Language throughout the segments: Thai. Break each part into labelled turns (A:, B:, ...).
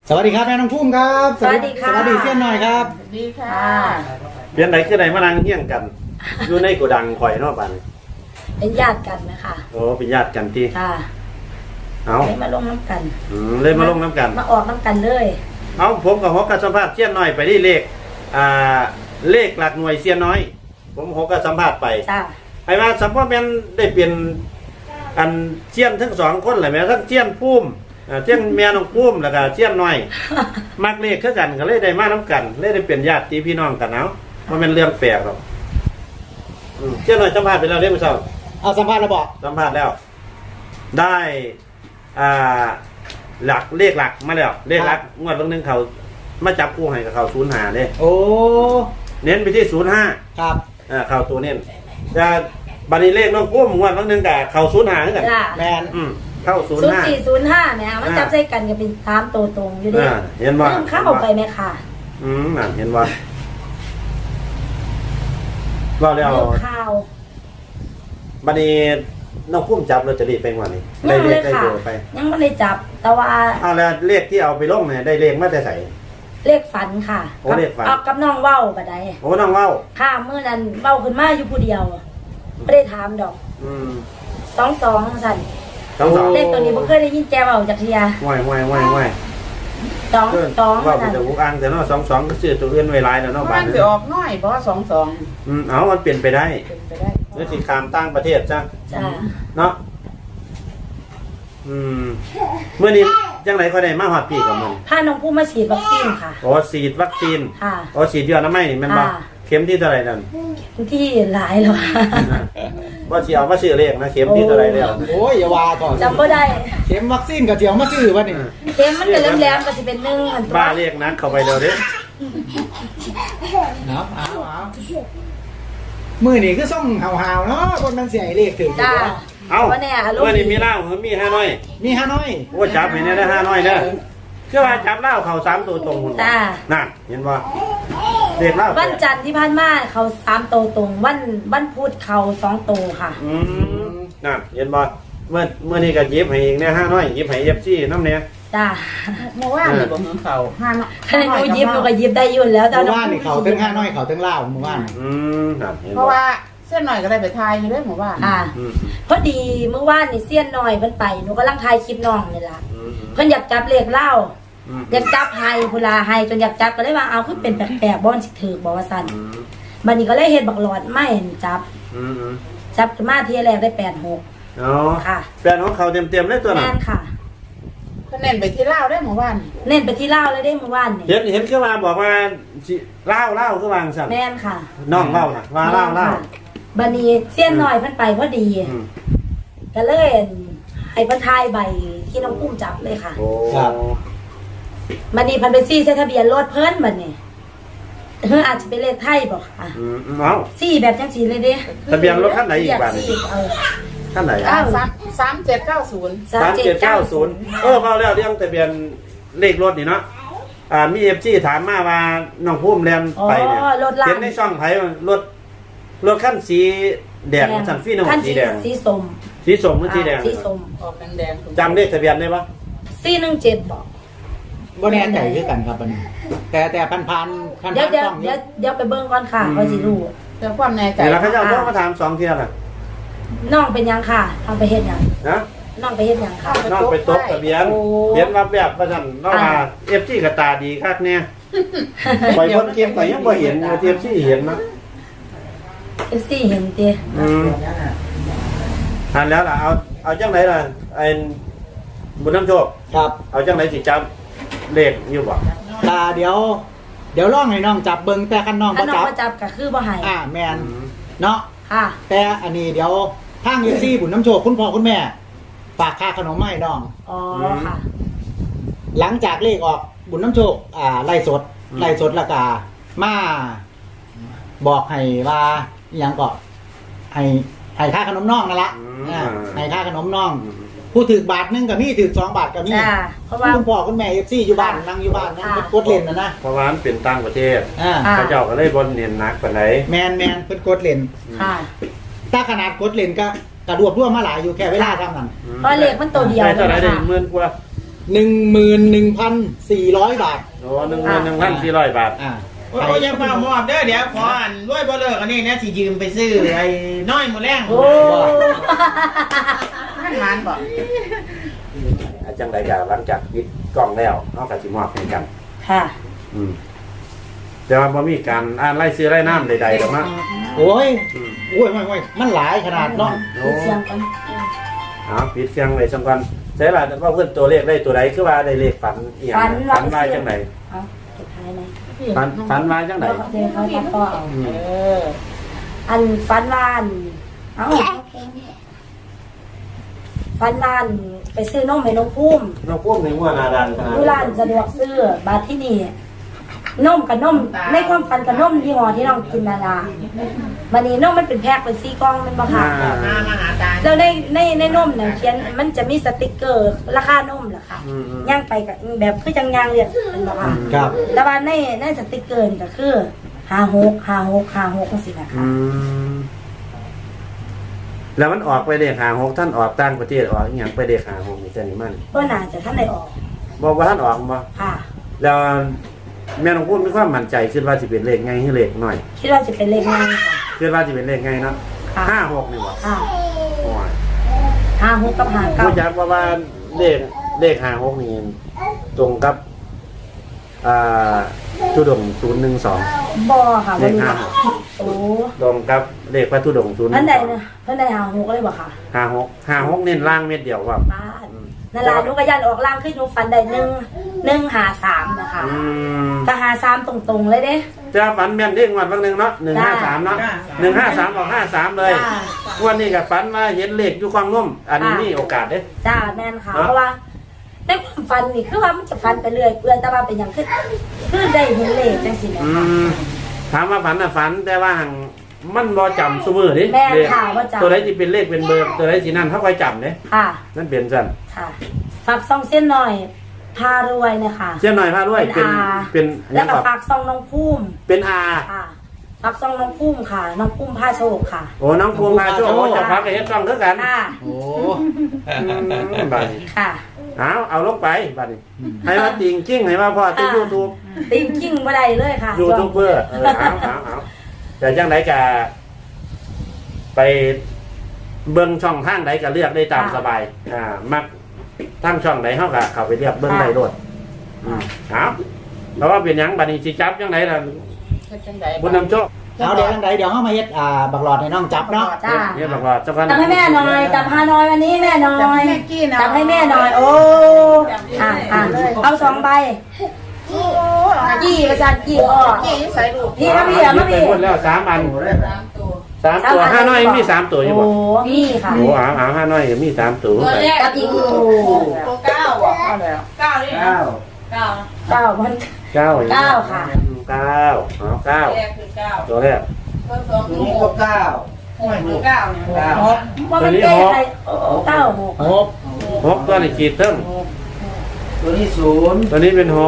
A: สวัสดีครับแม่น้องพุ่มครับ
B: สวัสดีค่ะ
A: สวัสดีเสี้ยนหน่อยครับ
B: สวัสดีค่ะ
C: เปลี่ยนไหนคือไหนมานั่งเฮี้ยงกัน อยู่ในโกดังข่อยเนาะบัดนี้
B: เป็นญาติกันนะคะ
C: โอ้เป็นญาติกันที่
B: ค่ะ
C: เอา
B: เลยมาลงน้ำกัน
C: เลยมาลงน้ำกัน
B: มาออกน้ำกันเลย
C: เอาผมกับฮอกกับสัมภาษณ์เสี้ยนน้อยไปที่เลขเลขหลักหน่วยเสี้ยนน้อยผมฮอกกับสัมภาษณ์ไป
B: จ้า
C: ไอ้ว่าสัมภาษณ์แม่นได้เปลี่ยนอันเสี้ยนทั้งสองคนเลยแม่ทั้งเสี้ยนพุ่มเสี้ยนแม่น้องพุ่มแล้วก็เสี้ยนน้อยมักเลขคือกันก็เลยได้มาน้ำกันเลยได้เปลี่ยนญาติพี่น้องกันเอามันเป็นเรื่องแปลกหรอกเสี้ยนน้อยสัมภาษณ์ไปแล้วเรียบร้อย
A: เอาสัมภาษณ์แล้วบอก
C: สัมภาษณ์แล้วได้หลักเลขหลักมาแล้วเลขหลักงวดนึงเขามาจับคู่ให้กับเขา05เด้
A: โอ้
C: เน้นไปที่05
A: ครับ
C: เขาตัวเน้นแต่บัดนี้เลขน้องพุ่มงวดนึงกับเขา05เหมือนกัน
A: แมน
C: เข้า
B: 0405เนี่ยมันจับใส่กันก็เป็น3ตัวตรงอยู่ดิ
C: เห็นว่า
B: เข้าไปไหมค่ะ
C: นั่นเห็นว่าว่าแล้ว
B: ข้าว
C: บัดนี้น้องพุ่มจับลอตเตอรี่ไปวันนี้ได้เลขได้เบอร์ไป
B: ยังไม่ได้จับแต่ว่า
C: แล้วเลขที่เอาไปลงเนี่ยได้เลขมาแต่ใส่
B: เลขฝันค่ะ
C: เลขฝัน
B: กับน้องเว้าบัดใด
C: น้องเว้า
B: ค่ะเมื่อนั้นเว้าขึ้นมาอยู่ผู้เดียวไม่ได้ถามดอก22สั่นเลขตัวนี้บ่เคยได้ยินแกเว้าจักเที่ย
C: ว่าย
B: 22
C: ว่าจะอุกอังแต่เนาะ22ก็ชื่อตัวอื่นไว้หลายแล้วเนาะ
D: บ้านสิออกน้อยบ่22
C: เอามันเปลี่ยนไปได้หรือสิข้ามต่างประเทศจ้ะเนาะเมื่อนี้จังไหนเขาได้มาฮอดพี่กับมึง
B: พาน้องผู้มาฉีดวัคซีนค่ะ
C: ฉีดวัคซีน
B: ค่ะ
C: ฉีดยาน้ำไม้นี่แม่นบ่เข็มที่เท่าไหร่นั่น
B: ที่หลายแล้ว
C: บ่สิเอามาซื้อเลขนะเข็มที่เท่าไหร่แล้ว
A: โอ้ยอย่าว่าก่อน
B: จำบ่ได้
A: เข็มวัคซีนกับเจียวมาซื้อวะนี่
B: เข็มมันก็แหลมๆก็สิเป็น1อันตัว
C: บ้าเลขนักเข้าไปเด้อเด้
A: เนาะเอามื้อนี้คือส่งห่าวๆเนาะคนมันเสียเลขถึง
B: จ้า
C: เอาเมื่อนี้มีเหล้ามี5น้อย
A: มี5น้อย
C: โอ้จับให้ได้5น้อยเด้อคือว่าจับเหล้าเขา3ตัวตรงจ้านั่นเห็นบ่เด็กเหล้า
B: วันจันทร์ที่ผ่านมาเขา3ตัวตรงวันพุธเขา2ตัวค่ะ
C: นั่นเห็นบ่เมื่อนี้ก็หยิบให้อีกเนี่ย5น้อยหยิบให้ FC นำเนี่ย
B: จ้า
D: เมื่อวานนี่บ่เงินเขา
B: 5น้อยถ้าหนูหยิบหนูก็หยิบได้อยู่แล้ว
A: แต่เมื่อวานนี่เขาถึง5น้อยเขาถึงเหล้าเมื่อวาน
C: นั่น
D: เพราะว่าเส้นหน่อยก็ได้ไปทายอยู่ด้วยหมู่บ้าน
B: พอดีเมื่อวานนี่เสี้ยนหน่อยเพิ่นไปหนูกำลังถ่ายคลิปน้องนี่ล่ะเพิ่นอยากจับเลขเหล้าอยากจับไฮพุลาไฮจนอยากจับก็เลยว่าเอาคือเป็นแปลกๆบ่อนสิถือบ่ว่าซั่นบัดนี้ก็เลยเฮ็ดบักหลอดไม่เห็นจับขึ้นมาทีแรกได้86
C: อ๋อค่ะ86เขาเต็มๆเลยตัวนั้น
B: แม่นค่ะ
D: เพิ่นเน้นไปที่ลาวได้หมู่บ้าน
B: เน้นไปที่ลาวเลยได้เมื่อวานนี่
C: เห็นคือว่าบอกว่าลาวคือวางซั่น
B: แม่นค่ะ
C: น้องเว้าน่ะว่าลาว
B: บัดนี้เสี้ยนหน่อยเพิ่นไปพอดีก็เลยให้เพิ่นทายใบที่น้องปุ้มจับเลยค่ะ
C: ครับ
B: บัดนี้เพิ่นไปซี่ใส่ทะเบียนรถเพิ่นบัดนี้อาจจะเป็นเลขไทยบ่ค่ะซี่แบบจังซี่เลยเด้
C: ทะเบียนรถคันไหนอีกบัดนี้คันไหน
D: 3790
C: พอแล้วเรื่องทะเบียนเลขรถนี่เนาะมี FC ถามมาว่าน้องพุ่มแล่นไปเนี่ยเห็นในช่องไผรถคันสีแดงสั่นฟี่น้องสีแดง
B: สีส้ม
C: หรือสีแดง
D: สีส้มออกแดง
C: จำเลขทะเบียนได้ปะ
B: 417บ่
A: บ่แน่ใจคือกันครับอันนี้แต่พัน
B: เดี๋ยวไปเบิ่งก่อนค่ะว่าสิรู้
D: แต่ความแน่ใจ
C: แล้วเขาจะเอามาถาม2เที่ยล่ะ
B: น้องเป็นยังค่ะทำไปเฮ็ดหยัง
C: นะ
B: น้องไปเฮ็ดหยังค่ะ
C: น้องไปตกทะเบียนเห็นว่าแบบว่าซั่นน้องมา FC ก็ตาดีคักเนี่ยไปเพิ่นเก็บก็ยังบ่เห็น FC เห็นนะ
B: FC เห็นติ
C: ทันแล้วล่ะเอาจังไหนล่ะไอ้บุญน้ำโชค
A: ครับ
C: เอาจังไหนสิจำเลขอยู่บ่
A: เดี๋ยวลองให้น้องจับเบิ่งแต่คันน้องบ่
B: จับก็คือบ่ให้
A: แม่นเนาะ
B: ค่ะ
A: แต่อันนี้เดี๋ยวทาง FC บุญน้ำโชคคุณพ่อคุณแม่ฝากค่าขนมให้น้อง
B: ค่ะ
A: หลังจากเลขออกบุญน้ำโชคไล่สดแล้วก็มาบอกให้ว่าอย่างก็ให้ค่าขนมน้องนั่นละให้ค่าขนมน้องผู้ถือบาทนึงกับพี่ถือ2 บาทกับพี่
B: เพราะว่า
A: คุณพ่อคุณแม่ FC อยู่บ้านนั่งอยู่บ้านนั่งกดเล่นนะ
C: เพราะว่ามันเป็นต่างประเทศเขาเจ้าก็เลยบ่เน้นหนักปานใด
A: แม่นเพิ่นกดเล่นถ้าขนาดกดเล่นก็กระดวบร่วมมาหลายอยู่แค่เวลาทำนั่น
B: เพราะเลขมันตัวเดียว
C: ได้เท่าไหร่ได้10,000กว่า
A: 11,400 บาท
C: โอ้11,400 บาท
E: โอ้ยยังฟังมอบเด้อเดี๋ยวขออันรวยบ่เลิกอันนี้นะสิยืมไปซื้อไอ้น้อยหมูแรง
B: โอ้
D: ท่านหมานบอก
C: จังใดก็หลังจากปิดกล้องแล้วเฮาก็สิมอบให้กัน
B: ค่ะ
C: แต่ว่าบ่มีการอ่านรายชื่อรายนามใดๆดอกนะ
A: โอ้ยไม่มันหลายขนาดเนาะ
C: โอ้
B: เสียงกัน
C: ปิดเสียงไว้ซั่นก่อนใช่ล่ะว่าเพิ่นตัวเลขได้ตัวใดคือว่าได้เลขฝันอีหยังฝันว่าจังได
B: เอาสุดท้ายไหม
C: ฝันว่าจังได
B: เดี๋ยวเขาตัดต่อเอา
D: อ
B: อันฟันวานเอาฟันวานไปซื้อนมให้น้องพุ่ม
C: น้องพวกในหัวหน้าดันขนาด
B: ดูร้านสะดวกซื้อบาทที่นี่นมกับนมในความฝันกับนมยี่ห้อที่น้องกินนาราวันนี้นมมันเป็นแพ็คเป็นซีกล่องมันมาค่ะ
E: มาหาตา
B: แล้วในนมเนี่ยเขียนมันจะมีสติกเกอร์ราคานมเหรอคะย่างไปกับแบบคือจังยางเรียกเป็นบ่ค่ะ
A: ครับ
B: แล้วว่าในสติกเกอร์นี่ก็คือ56จังซี่นะคะ
C: แล้วมันออกไปเลข56ท่านออกต่างประเทศออกอีหยังไปเลข56นี่แต่นี่มัน
B: ก็น่าจะท่านได้ออก
C: บอกว่าท่านออกบ่
B: ค่ะ
C: แล้วแม่น้องพูดมีความมั่นใจคิดว่าสิเป็นเลขไงให้เลขน้อย
B: คิดว่าจะเป็นเลขง่ายค่ะ
C: คิดว่าสิเป็นเลขไงเนาะ
B: ค่ะ
C: 56นี่บ่
B: ค่ะ
C: โอ้ย
B: 56กับ
C: รู้จักว่าเลข56นี่ตรงกับทุดงค์012
B: 59บ่ค่ะวันนี้ค่ะโอ้
C: ตรงกับเลขพระทุดงค์012
B: เพิ่นได้56เลยบ่ค่ะ
C: 56เน้นล่างเม็ดเดียวว่า
B: บ้านนั่นล่ะหนูก็ยันออกล่างขึ้นหนูฟันได้153นะคะก็53ตรงๆเลยเด้
C: จะฝันแม่นเด้งวันบางนึงเนาะ153เนาะ153ออก53เลย
B: จ้า
C: วันนี้ก็ฝันว่าเห็นเลขอยู่ความงมอันนี้มีโอกาสเด้
B: จ้าแม่นค่ะเพราะว่าในความฝันนี่คือว่ามันจะฝันไปเรื่อยเปื่อยแต่ว่าเป็นอย่างคือได้เห็นเลขจังซี่นะ
C: อื
B: คะ
C: มถามว่าฝันน่ะฝันแต่ว่าหังมันบ่จำซุมื้อดิ
B: แม่น
C: เลข
B: ค่ะบ่จำ
C: ตัวใดสิเป็นเลขเป็นเบอร์ตัวใดสินั่นเฮาค่อยจำเด้
B: ค่ะ
C: นั่นเป็นซั่น
B: ค่ะฝากซองเส้นหน่อยพารวยนะคะ
C: เสียหน่อยพาด้วย
B: เป็น
C: เป็นห
B: แล้
C: ยั
B: ว
C: ง
B: ก็
C: ครับ
B: ฝากซองน้องพุ่ม
C: เป็นอา
B: ค่ะฝากซองน้องพุ่มค่ะ น้องพุ่มผ้าโชคค่ะ
C: โอ้น้องพวงพาโชคโอ้จะพักกับเฮ็ดต้องคือกัน
B: ค่ะ
A: โอ้
C: บัดนี้
B: ค่ะ
C: เอาลงไปบัดนี้ให้ว่าจริงจริงให้ว่าพอที่ YouTube
B: ติงกิ้งบ่ได้เลยค่ะ
C: ยูทูบเบอร์เอาแต่จังไดก็ไปเบิ่งช่องทางใดก็เลือกได้ตามสบายมักทางช่องใดเฮาก็เข้าไปเลือกเบิ่งได้โลดเอาเพราะว่าเป็นหยังบัดนี้สิจับจังไดล่ะ
D: เฮ็ดจังได
C: บุญนำโชค
A: เอาเดี๋ยวจังใดเดี๋ยวเฮามาเฮ็ดบักหลอดให้น้องจับเนาะ
B: จ้า
C: เนี่ยบอกว่าเจ้ากัน
B: จับให้แม่หน่อยจับฮานอยวันนี้แม่หน่อย
D: จับให้แม่กี้นะ
B: จับให้แม่หน่อย โอ้เอา2ใบกี่ประจันกี่อ้อ
D: กี้อยู่ใส่ลูก
B: พี่มาพี่มา
C: ไป
B: พี่
C: หมดแล้ว3อัน
D: 3 ตัว
C: 3ตัว5น้อยมี3ตัวอยู่บ่
B: โอ้มีค่ะ
C: โอ้เอา5น้อยมี3ตัว
B: กับอีกโอ้
D: ตัว9บ่เอาแล้ว
B: 9มัน
C: 9
B: 9ค่ะ
C: 9เอา9ตัวแรก
E: นี่ก็9ห้วย9เนี่ย
B: ว่ามันเก้ใคร96
C: 6ตัวนี้ขีดเทิง
E: ตัวนี้0
C: ตัวนี้เป็น6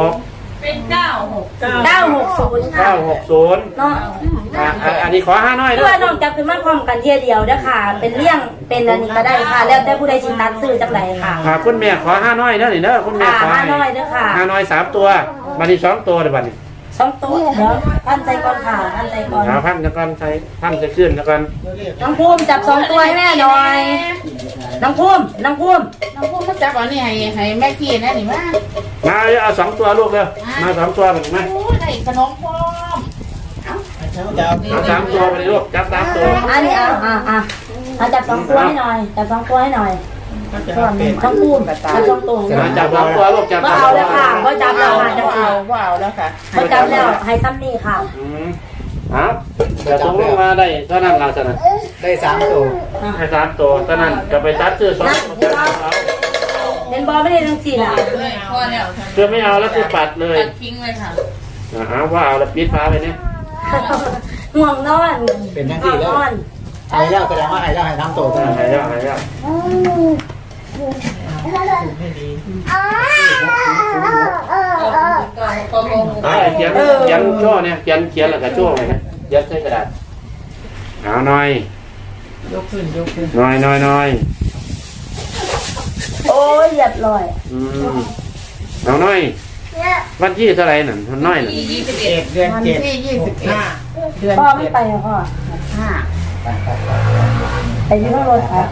B: 960ค่ะ
C: 960
B: เนาะ
C: อันนี้ขอ5น้อย
B: เพื่
C: ด้ว
B: อย น้องจับขึ้นมาพร้อมกันเทียเดียวเด้อค่ะ เป็นเลี่ยงเป็นอันนี้ก็ได้ค่ะ แล้วแต่ผู้ใดสิตัดซื้อจังไดค่ะ
C: คุณแม่ขอ5น้อยเด้อนี่เด้อคุณแม่ขอ
B: 5น้อยเด้อค่ะ
C: 5น้อย3ตัวบัดนี้2ตัวเด้อบัดนี้
B: 2ตัวเดี๋ยวพันใจก่อนค่ะพันใจก่อน
C: เอาพันจะก่อนใช้พันจะขึ้นแล้วกัน
B: น้องภูมิจับ2ตัวให้แม่หน่อย น้องภูมิ
D: น้องพูดมาจับอันนี้ให้แม่กี้นะนี่มา
C: มาเอา2ตัวลูกเด้อมา2ตัวบัดนี้มา
D: โอ้ได้ขนมพร้อม
C: เอา3ตัวไปเลยลูกจับ3ตัว
B: อันนี้เอาจับ2ตัวให้หน่อย จับ2ตัวให้หน่อยน้องภูมิจับ2ตัวให้หน่อย
C: จับ2ตัวลูกจับ
B: ก็เอาแล้วค่ะก็จับแล้วค่ะจับ
D: เอาแล้วค่ะ
B: ก็จับแล้วให้ซ้ำนี่ค่ะ
C: ครับแต่ตรงลงมาได้เท่านั้นเราชนะ
A: ได้3ตัว
C: ให้3ตัวเท่านั้นจะไปตัดซื้อ2ตัวเอา
B: เห็นบอลไม่ได้ทั้งสี่ล่ะ
D: พอแล้ว
C: เพื่อไม่เอาแล้วคือปัดเลย
D: ตัดทิ้งเลยค่ะ
C: ว่าเอาแล้วปิดฟ้าไปเนี่ย
B: ห่วงนอน
A: เป็นจัง
B: ห่
A: ซี่
B: วง
A: แล้
B: น
A: ว
B: อน
A: ไอ้แล้วแสดงว่าไอ้แล้วให้3ตัว
C: หายแล้วหายแล้วเขียนช่อเนี่ยเขียนแล้วก็ช่อเลยนะยัดใส่กระดาษเอาหน่อย
D: ยกขึ้น
C: หน่อย
B: โอ้ยเหยียบลอย
C: น้องน้อย วันที่เท่าไหร่นั่นน้อยน่ะ
E: 21เดือน
D: วัน
E: 7
D: ที่21เดือน
B: พ่อไม่ไปเหรอพ่อ
D: 5
B: ไปที่ห้องรถค่ะ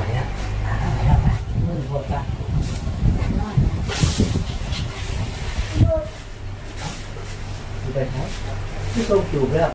A: ที่ส่งจูบแล้ว